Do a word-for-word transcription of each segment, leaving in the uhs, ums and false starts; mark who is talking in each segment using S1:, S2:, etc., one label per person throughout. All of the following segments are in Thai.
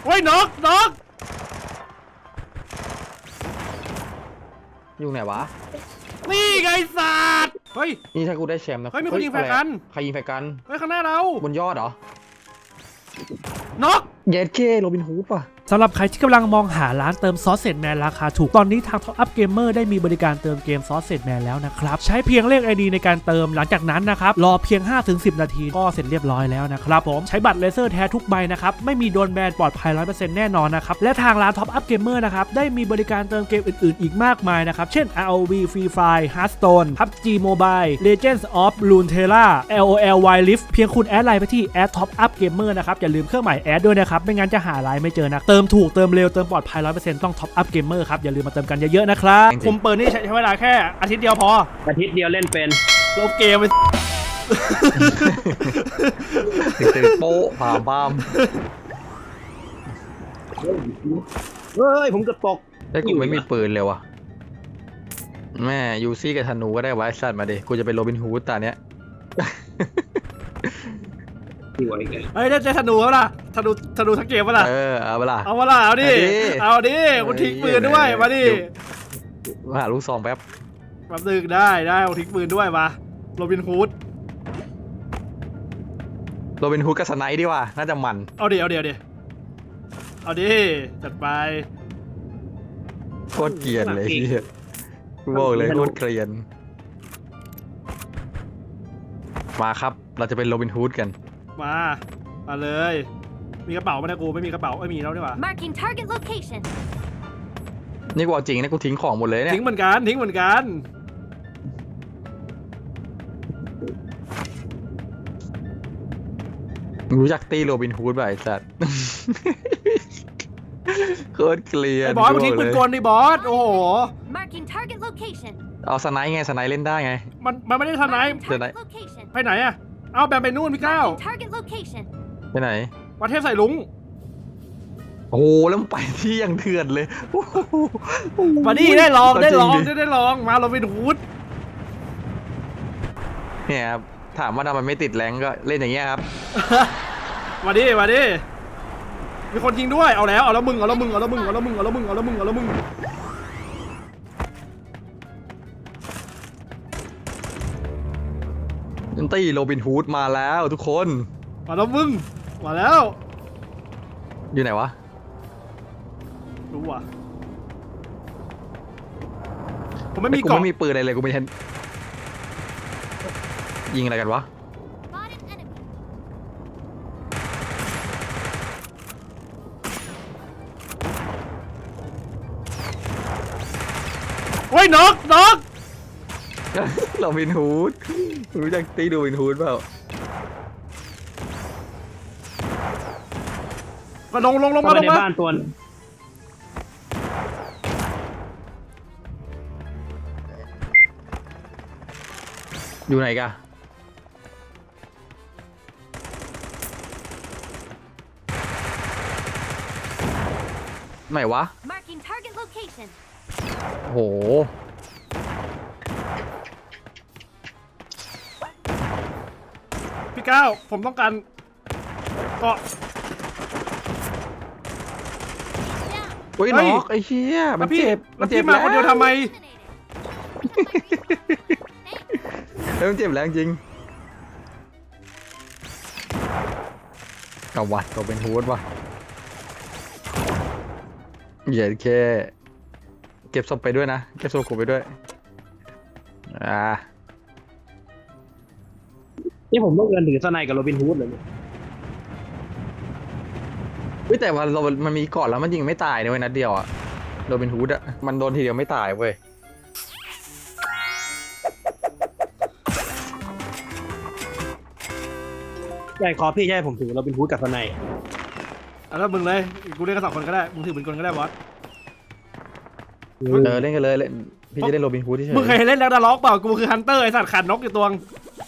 S1: โอ้ยนกนก
S2: อยู่ไหนวะ
S1: นี่ไงสัตว์เฮ้ย
S2: นี่ถ้ากูได้แชมป์นะ
S1: เฮ้ยมีคนยิงแฟร์กัน
S2: ใครยิงแฟร์กัน
S1: เฮ้ยข้างหน้าเรา
S2: บนยอดเหรอ
S1: นก
S2: เย็ดเคโรบินฮูดป่ะ
S3: สำหรับใครที่กำลังมองหาร้านเติมซอสเซจแมนราคาถูกตอนนี้ทาง Top Up Gamer ได้มีบริการเติมเกมซอสเซจแมนแล้วนะครับใช้เพียงเลข ไอ ดี ในการเติมหลังจากนั้นนะครับรอเพียง ห้าถึงสิบ นาทีก็เสร็จเรียบร้อยแล้วนะครับผมใช้บัตรเลเซอร์แท้ทุกใบนะครับไม่มีโดนแบนปลอดภัย ร้อยเปอร์เซ็นต์ แน่นอนนะครับและทางร้าน Top Up Gamer นะครับได้มีบริการเติมเกมอื่นๆอีกมากมายนะครับเช่น อาร์ โอ วี Free Fire Hearthstone พับจี Mobile Legends of Runeterra แอล โอ แอล Wild Rift เพียงคุณแอดไลน์ไปที่ แอด Top Up Gamer นะครับอย่าลืมเครื่องหมายแอดด้วยนะครับไม่งั้นจะหาไลน์ไม่เจอนะเติมถูกเติมเร็วเติมปลอดภัย ร้อยเปอร์เซ็นต์ ต้อง Top Up Gamer ครับอย่าลืมมาเติมกันเยอะๆนะครับ
S1: คุมเปิดนี่ใช้เวลาแค่อาทิตย์เดียวพอ
S4: อาทิตย์เดียวเล่นเป็น
S1: ลบเกมไป
S2: ตื่นโป๊ะผ่าบ้าม
S4: เฮ้ยผมกระตก
S2: แต่กูไม่มีปืนเลยวะแม่ยูซี่กับธนูก็ได้ไว้สัตว์มาดิกูจะเป็นโรบินฮูดตาเนี้ย
S1: เฮ้ยได้ธนูแล้วล่ะธนูธนูทั้งเกมวะล่ะ
S2: เออเอาเวลา
S1: เอาวะล่ะเอาดิเอาดิกูทิ้งปืนด้วยมาดิ
S2: มาหาลูกซองแป๊บ
S1: แป๊บนึงได้ได้เอาทิ้งปืนด้วยมาโรบินฮูด
S2: โรบินฮูดกับสไนด์ดีกว่าน่าจะมัน
S1: เอาดิเอาดิเอาดิเอาดิจัดไป
S2: โคตรเกลียนเลยพี่บอกเลยโคตรเกลียนมาครับเราจะเป็นโรบินฮูดกัน
S1: มามาเลยมีกระเป๋าไหมนะกูไม่มีกระเป๋าไม่มีแล้วนี่หว่า
S5: Marking target location
S2: นี่กูเอาจริงนะกูทิ้งของหมดเลยเนี่ย
S1: ทิ้งเหมือนกันทิ้งเหมือนกัน
S2: รู้จักตีโรบินฮูดป่ะไอ้สัตว์โคตรเกลียด
S1: ไอ้บอสมาทิ้งปืนกลดิบอสโอ้โห
S5: Marking target location
S2: เอาสไนด์ไงสไนด์เล่นได้ไง
S1: มันมันไม่ได้สไนด์ไปไหนอะเอาแบบไปนู่นพี่ก้าว
S2: ไปไหน
S1: ประเทศใส่ลุง
S2: โอ้โหแล้วไปที่ยังเถื่อนเลย
S1: มาดิได้ลองได้ลองได้ได้ลองมาเราเป็นฮูด
S2: เนี่ยครับถามว่าทำไมไม่ติดแรงก็เล่นอย่างเงี้ยครับ
S1: มาดิมาดิมีคนยิงด้วยเอาแล้วเอาแล้วมึงเอาแล้วมึงเอาแล้วมึงเอาแล้วมึงเอาแล้วมึงเอาแล้วมึงเอาแล้วมึง
S2: ตีโรบินฮูดมาแล้วทุกคน
S1: มาแล้วมึงมาแล้ว
S2: อยู่ไหนวะ
S1: รู้ว่ะผมไม่มี
S2: กล่องไม่มีปืนอะไรเลยกูไม่เห็นยิงอะไรกันวะ
S1: โอ้ยนกนก
S2: โรบินฮูดรู้จักตีโรบินฮูดเปล่า
S1: ก็ลงลงลงมาลงมา
S4: ในบ้านตัว
S2: อยู่ไหนกันไหนวะโห
S1: พี่ก้าวผมต้องการเกาะ
S2: โอ้ยน็อกไอ้เชี่ยมันเจ็บ
S1: มันเจ็บมาคนเดียวทำไม
S2: เฮ้ยมันเจ็บแล้วจริงกวัดตัวเป็นฮูดว่ะเหยียดแค่เก็บศพไปด้วยนะเก็บศพกูไปด้วยอ่า
S4: นี่ผมต้องเดินถือสไนกับโรบินฮูดเลย
S2: เฮ้ยแต่ว่าเรามันมีก่อนแล้วมันยิงไม่ตายเลยนัดเดียวอะโรบินฮูดอะมันโดนทีเดียวไม่ตายเว้ย
S4: ใช่คอพี่ใช่ผมถือโรบินฮูดกับสไน
S1: อ่ะแล้วมึงเลยกูเล่นกันสองคนก็ได้มึงถือปืนกลก็ได้บอส
S2: เออเล่นกันเลยเล่นพี่จะเล่นโรบินฮูดที่เฉย
S1: มึงเคยเล่นแล้วดาล็อกเปล่ากูคือฮันเตอร์ไอสัตว์ขัดนกอยู่ตัว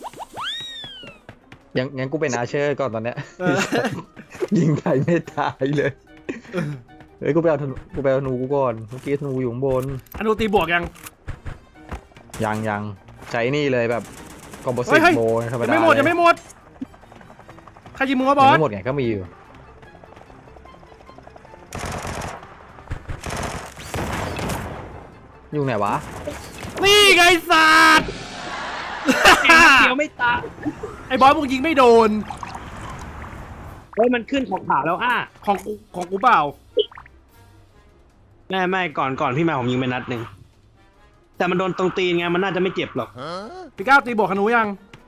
S2: ยังงั้นกูเป็นอาเชอร์ก่อนตอนเนี้ยยิงใครไม่ตายเลยเฮ้ยกูไปเอาธนูกูไปเอาธนูกูก่อนเมื่อกี้ธนูอยู่ข้างบน
S1: ธนูตีบวกยัง
S2: ยังยังใช้นี่เลยแบบคอมโบสิตโบธรรมดา
S1: ไม่หมดยังไม่หมดใครยิงมึงวะบอส
S2: ไม่หมดไงก็มีอยู่อยู่ไหนวะ
S1: นี่ไงสัตว์
S4: เดียวไม่ตาย
S1: ไอ้บอสมึงยิงไม่โดน
S4: เฮ้ยมันขึ้นของขาวแล้วอ่ะ
S1: ของกูของกูเปล่า
S4: ไม่ไม่ก่อนก่อนพี่มาผมยิงไปนัดหนึ่งแต่มันโดนตรงตีนไงมันน่าจะไม่เจ็บหรอก
S1: พี่ก้าวตีบวกขนูยัง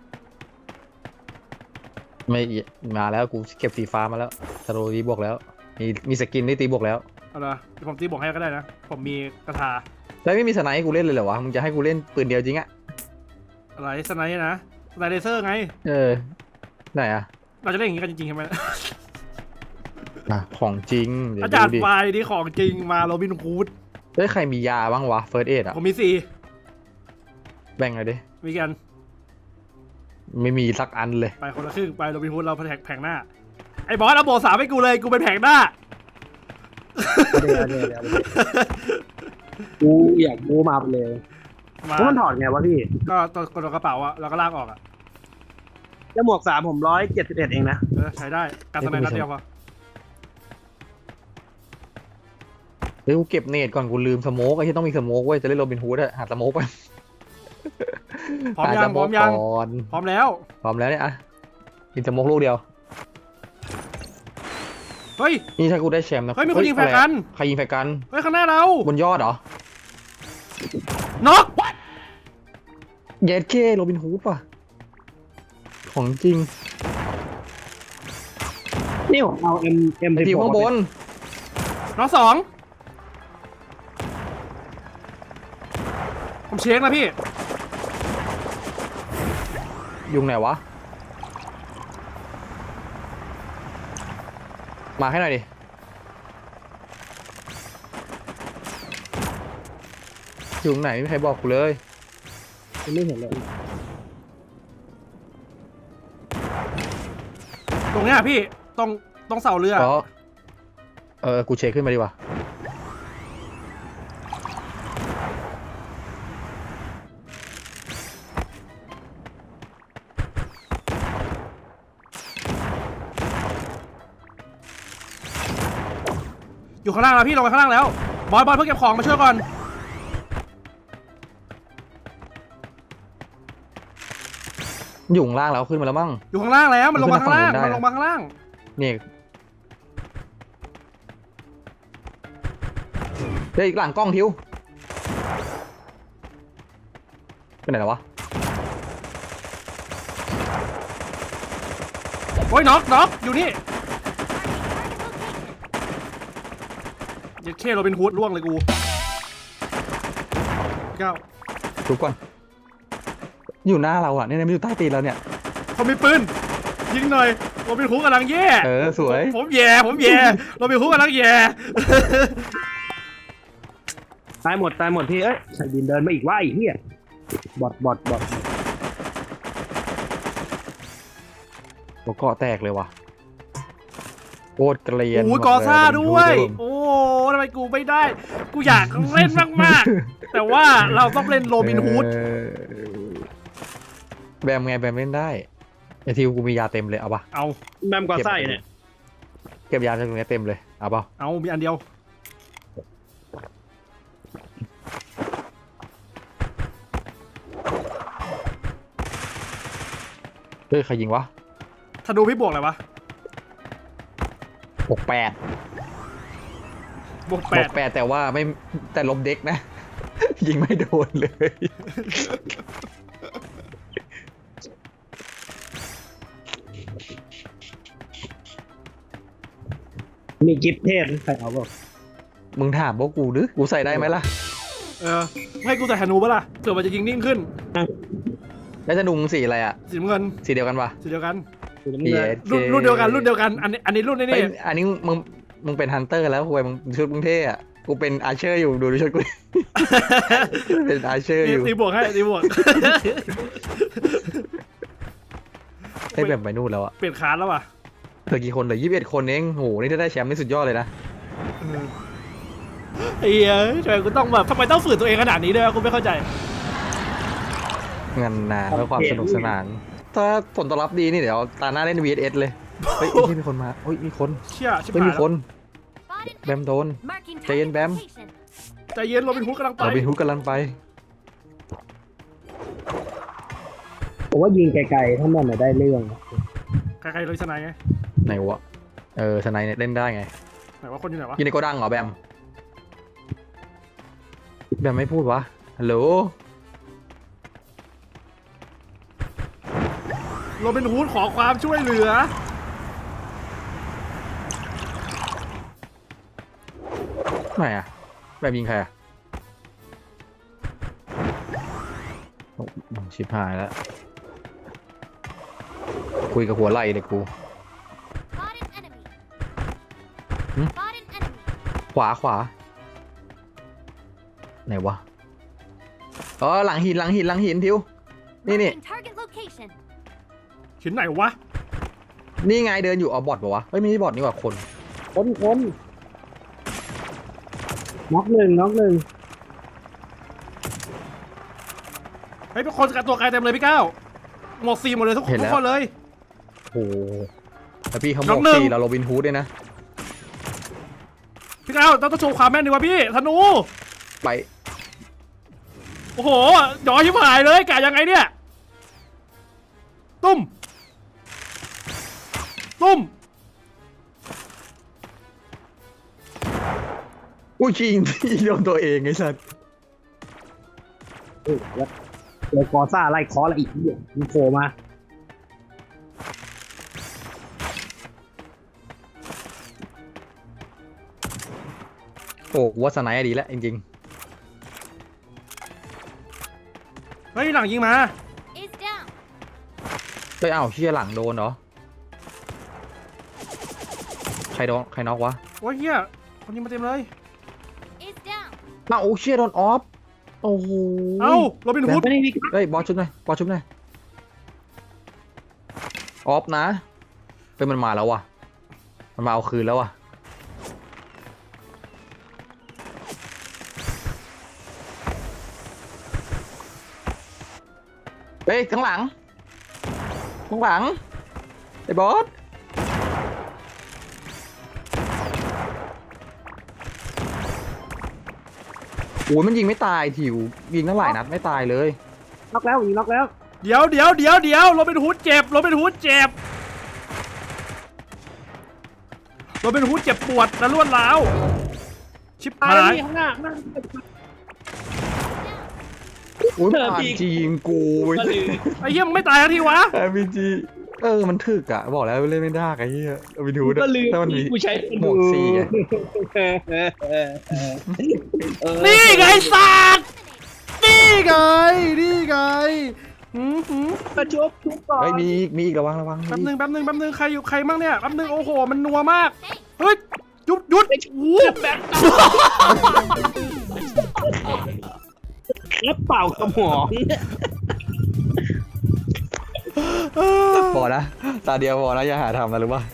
S2: ไม่มาแล้วกูเก็บสีฟ้ามาแล้วสโลตีบวกแล้ว มีมีสกินที่ตีบวกแล้ว
S1: เอาละเดี๋ยวผมตีบวกให้ก็ได้นะ ผมมีกระทา
S2: แล้วไม่มีสไนป์ให้กูเล่นเลยเหรอวะมึงจะให้กูเล่นปืนเดียวจริงอะ
S1: อะไรสไนด์นะสไนด์เลเซอร์ไง
S2: เออไหนอะ
S1: เราจะเล่นอย่างนี้กันจริงๆใช่ไหม
S2: อ่ะของจริงเดี๋ยว
S1: อาจาร
S2: ดู
S1: ย์
S2: ดิ
S1: ไฟนี่ของจริงมาโรบินฮูด
S2: เฮ้ยใครมียาบ้างวะเฟิร์สเอดอะ
S1: ผมมีสี่
S2: แบ่งเลยดิ
S1: มีกัน
S2: ไม่มีสักอันเลย
S1: ไปคนละครึ่งไปโรบินฮูดเราแผงแผงหน้า ไอ้บอสเอาโบสามให้กูเลยกูเป็นแผงหน้า
S4: เดี๋ยวเดี๋ยวเดี๋ยวกูอยากกูมาไปเลย
S1: มา
S4: แล้วมันถอดไงวะพี่
S1: ก็ตัวกดกระเป๋าอะแล้วก็ลากออกอะ
S4: แล้วหมวกสามผมร้อยเจ็ดสิบเอ็ดเองนะ
S1: เออใช้ได้การสไนด์นัดเดียวพอ
S2: เฮ้ยกูเก็บเนตก่อนกูลืมสโมกไอ้ที่ต้องมีสโมกเว้ยจะเล่นโรบินฮูดอะหาสโมกไป
S1: พร้อมยัง
S2: หาส
S1: พร้อมยัง
S2: ก่อน
S1: พร้อมแล้ว
S2: พร้อมแล้วเนี่ยอะกินสโมกลูกเดียว
S1: เฮ้ย
S2: นี่ถ้ากูได้แชมป์นะ
S1: เฮ้ยมีคนยิงแฟร์
S2: อะไร
S1: กั
S2: อะ
S1: น
S2: ใครยิงแฟร์กัน
S1: เฮ้ยข้างหน้าเรา
S2: บนยอดเหรอ
S1: น็อก
S2: เยสเคโรบินฮูดป่ะของจริง
S4: นี่ผมเอาเอ็มเอ็ม
S2: ไอทีมข้างบน
S1: น็อกสองผมเช็คนะพี่
S2: ยุงไหนวะมาให้หน่อยดิยุงไหนไม่มีใครบอกกูเลย
S4: ไม่เห็นเลย
S1: ตรงเนี้ยพี่ตรงตรงเสาเรือ
S2: เพราะเออ กูเช็คขึ้นมาดีกว่า
S1: อยู่ข้างล่างแล้วพี่ลงไปข้างล่างแล้วบอสบอสเพิ่งเก็บของมาช่วยก่อน
S2: อยู่ข้างล่างแล้วขึ้นมาแล้วมั้ง
S1: อยู่ข้างล่างแล้วมันลงมาข้างล่าง
S2: ขึ้นมาฝั่งนู้นได้
S1: มันลงมาข้างล่าง
S2: นี่เฮ้ยอีกหลังกล้องทิวไปไหนแล้ววะ
S1: โอ้ยน็อกน็อกอยู่นี่เย็ดเคโรบินฮูดล่วงเลยกูเก้า
S2: ทุกคนอยู่หน้าเราอ่ะเนี่ยไม่อยู่ใต้ตีนเราเนี่ย
S1: เขามีปืนยิงหน่อยโรบินฮูดกำลังแย่
S2: เออสวย
S1: ผมแย่ผมแย่โรบินฮูดกำลังแย่
S4: ตายหมดตายหมดพี่เอ้ยใส่ดินเดินมาอีกว่าไอ้เหี้ยบอดบอดบอด
S2: หัวเกาะแตกเลยว่ะโคตรเกลียน
S1: โอ้ย
S2: บ
S1: กอ
S2: เล
S1: ซ่าด้วย
S2: ดูดิ
S1: โอ้ทำไมกูไม่ได้ กูอยากเล่นมากๆ แต่ว่าเราต้องเล่นโรบินฮูด
S2: เออแบมไงแบมเล่นได้ไอทิวกูมียาเต็มเลยเอาปะ
S1: เอา
S4: แบมกอไส้เนี่ย
S2: เก็บยาจากตรงนี้เต็มเลยเอาปะ
S1: เอามีอันเดียว
S2: เฮ้ยใครยิงวะ
S1: ถ้าดูพี่บวกอะไรวะ
S2: บวกแปด
S1: บวก
S2: บ
S1: แป
S2: ว
S1: ด
S2: กแปดแต่ว่าไม่แต่ลบเด็กนะ ยิงไม่โดนเลย
S4: มีกิฟต์เทศใครเอาบอก
S2: มึงถามพวกกูหรือกูใส่ได้ไหมล่ะ
S1: เออให้กูใส่ธนูปะล่ะเผื่อมันจะยิงนิ่งขึ้น
S2: แล้วจะดุงสีอะไรอ่ะ
S1: สีน้ำเงิน
S2: สีเดียวกันปะ
S1: สีเดียวกัน
S4: สีน้ำเงิน
S1: รุ่นรุ่นเดียวกันรุ่นเดียวกันอันนี้อันนี้รุ่นนี้
S2: เฮ้ย
S1: นี่
S2: อันนี้มึงมึงเป็นฮันเตอร์แล้วคุยมึงชุดมึงเท่อะกูเป็นอาร์เชอร์อยู่ดูดูชุดกู เป็นอาร์เชอร์อยู่
S1: ตีบวกให้ตีบวก
S2: ให้แบบไปนู่นแล้วอะ
S1: เปลี่ยนคาร์ดแล้วว่ะ
S2: เหลือกี่คนเหลือยี่สิบเอ็ดคนเองโหนี่ถ้าได้แชมป์นี่สุดยอดเลยนะ
S1: ไอ้เหี้ยทำไมกูต้องแบบทำไมต้องฝืนตัวเองขนาดนี้ด้วยวะกูไม่เข้าใจ
S2: งานนาเพื่อความสนุกสนาน ถ้าผลตอบรับดีนี่เดี๋ยวตาหน้าเล่น วี เอส เอส เลย เฮ้ยที่มีคนมาเฮ้ยมีคน
S1: เชี่ยชิบ
S2: เฮ้ย
S1: หา
S2: มี
S1: ย
S2: คน
S5: Spotted
S2: แบมโดน
S5: marking
S2: Jay and
S5: target
S2: Bam.
S5: location.
S1: ใจใจเย็นโรบินฮูดกำลังไป
S2: เราเป็นฮุกกำลังไป
S4: ผมว่ายิงไกลๆถ้ามันน่ะได้เรื่อง
S1: ใครๆเลยชนะไง
S2: ไหนวะเออสไนเนี่ยเล่นได้ไง
S1: ไหนว่าคนอยู่ไหนวะ
S2: อยู่ในโกดังเหรอแบมแบมไม่พูดวะฮัลโหล
S1: โรบินฮูดขอความช่วยเหลือ
S2: ไหนอะแบมยิงใครอะโอ้ชิบหายแล้วคุยกับหัวไหล่เลยกู
S5: Spotted enemy.
S2: Hmm?
S5: Spotted enemy.
S2: ขวาขวาไหนวะอ๋อหลังหินหลังหินหลังหินทิวนี่นี่
S5: Marking target location.
S1: หินไหนวะ
S2: นี่ไงเดินอยู่อ๋อบอทปะวะเฮ้ยไม่ใช่บอทนี่หว่าคน
S4: คนคนน็อกหนึ่งน็อกหนึ่ง
S1: เฮ้ยเป็นคนกับตัวไกลเต็มเลยพี่ก้าวหมวกสีหมดเลยทุกทุกคนเลย
S2: โอ้โหแล้วพี่เขาบ
S1: น้
S2: อ
S1: อก งหนึ่ง
S2: สี่เราโรบินฮูดด้วยนะ
S1: พี่ก้าวต้องต้องโชว์ความแม่นดีวะพี่ธนู
S2: ไป
S1: โอ้โหย้อยชิบหายเลยกะยังไงเนี่ยตุ้มตุ้ม
S2: อุ้ยชิงที่โดนตัวเองไอ้สัส
S4: เออแล้วเดี๋ยวกอซ่าไล่คอแล้วอีกเหี้ยมันโผล่มา
S2: โอ้วัสไนด์ดีแล้วจริง
S1: เฮ้ยหลังยิงมา
S5: Is down.
S2: ๆเฮ้ยอ้าวเชี่ยหลังโดนเหรอใครโดนใครน็อกวะ
S1: โอ้ยเฮียคนยิงมาเต็มเลย
S5: Is down.
S2: อ้าวโอ้เชี่ยโดนออฟโอ้โห
S1: เอ้าโรบินฮูด
S4: ไม่ได้มี
S2: เฮ้ยบอสชุบหน่อยบอสชุบหน่อยออฟนะเป็นมันมาแล้วว่ะมันมาเอาคืนแล้วว่ะเฮ้ยข้างหลังข้างหลังไอ้บอสโอ้ยมันยิงไม่ตายถิวยิงตั้งหลายนัดไม่ตายเลย
S4: น็อกแล้วยิงน็อกแล้ว
S1: เดี๋ยวเดี๋ยวเดี๋ยวเดี๋ยวโรบินฮูดเจ็บโรบินฮูดเจ็บโรบินฮูดเจ็บปวดและรวดร้าวชิบ
S4: ตาย
S1: หา
S4: แล้ว
S1: ย
S4: นี่ข้างหน้าข้างหน้า
S2: อุ้ย
S4: เอ
S2: มัน
S4: อ
S2: อ่าน
S4: พี่
S2: จียิงกูเว้ย
S4: ก็เลย
S1: ไอ้เหี้ยมึงไม่ตายแล้วทีวะ
S2: ไอพีจีเออมันถึกอ่ะบอกแล้วเล่นไม่ได้ไอ้เหี้ยเอาไปดู
S4: ก็ลืม
S2: ถ้ามันมี
S4: กูใช้
S2: หมวกสี่อะ
S4: เออ
S1: นี่ไงสัตว์นี่ไงนี่ไงหืมหืม
S4: มาชุบชุบก่อน
S2: เฮ้ยมีอีกมีอีกระวังระวัง
S1: แป๊บ
S2: มี
S1: นึ
S2: อี
S1: ง
S2: ก
S1: แป๊บนึงแป๊บนึงใครอยู่ใครมั่งเนี่ยแป๊บนึงโอ้โหมันนัวมาก
S5: Thanks.
S1: เฮ้ยหยุดหยุดโอ้โห
S4: แล้วเป่ากระหม่อม
S2: พอนะตาเดียวพอนะอย่าหาทำนะรู้ป่ะ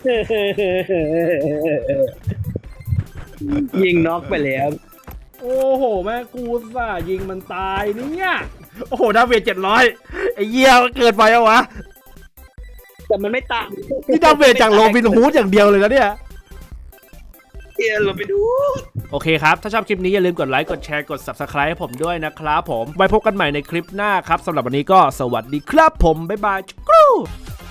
S4: ยิงน็อกไปแล้ว
S1: โอ้โหแม่งกูส่าห์ยิงมันตายเนี่ยโอ้โหดาเมจเจ็ดร้อยไอ้เหี้ยเกินไปเอาวะ
S4: แต่มันไม่ตาย
S1: นี่ดาเมจจากโรบินฮูดอย่างเดียวเลยนะเนี่ย
S4: เฮียเราไปดู
S1: โอเคครับ ถ้าชอบคลิปนี้อย่าลืมกดไลค์ กดแชร์ กด ซับสไครบ์ ให้ผมด้วยนะครับผม ไว้พบกันใหม่ในคลิปหน้าครับ สำหรับวันนี้ก็สวัสดีครับผม บ๊ายบายจุ๊กรู